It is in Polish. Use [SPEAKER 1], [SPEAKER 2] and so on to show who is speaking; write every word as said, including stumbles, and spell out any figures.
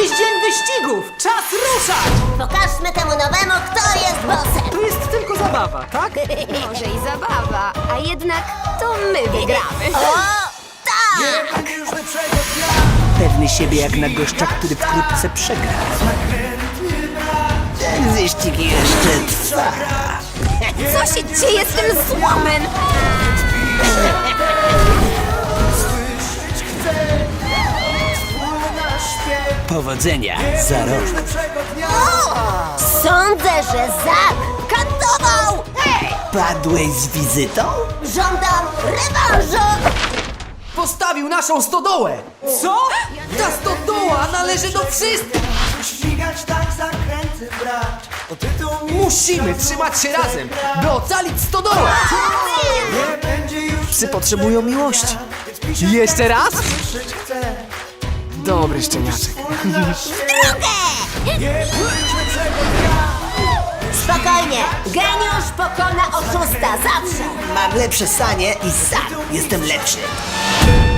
[SPEAKER 1] Dziś dzień wyścigów! Czas ruszać!
[SPEAKER 2] Pokażmy temu nowemu, kto jest bossem.
[SPEAKER 1] To jest tylko zabawa, tak?
[SPEAKER 3] Może i zabawa, a jednak to my wygramy.
[SPEAKER 2] O, tak!
[SPEAKER 4] Pewny siebie jak na gościa, który wkrótce przegra. Ten wyścig jeszcze trwa.
[SPEAKER 3] Co się dzieje z tym złomem?
[SPEAKER 4] Powodzenia za rok.
[SPEAKER 2] Sądzę, że Zak kantował!
[SPEAKER 4] Padłeś z wizytą?
[SPEAKER 2] Żądam rewanżu!
[SPEAKER 1] Postawił naszą stodołę! Co? Ta stodoła należy do wszystkich!
[SPEAKER 5] Ścigać tak zakręty brać. O tytuł
[SPEAKER 1] Musimy trzymać się razem, by ocalić stodołę!
[SPEAKER 5] nie będzie już
[SPEAKER 1] Psy potrzebują miłości.
[SPEAKER 5] więc pisze
[SPEAKER 1] Jeszcze raz?
[SPEAKER 5] słyszeć chcę.
[SPEAKER 1] Dobry szczeniaczek.
[SPEAKER 5] Nie pójdźmy czego dnia.
[SPEAKER 2] Spokojnie, geniusz pokona oszusta zawsze!
[SPEAKER 4] Mam lepsze sanie i sam jestem lepszy.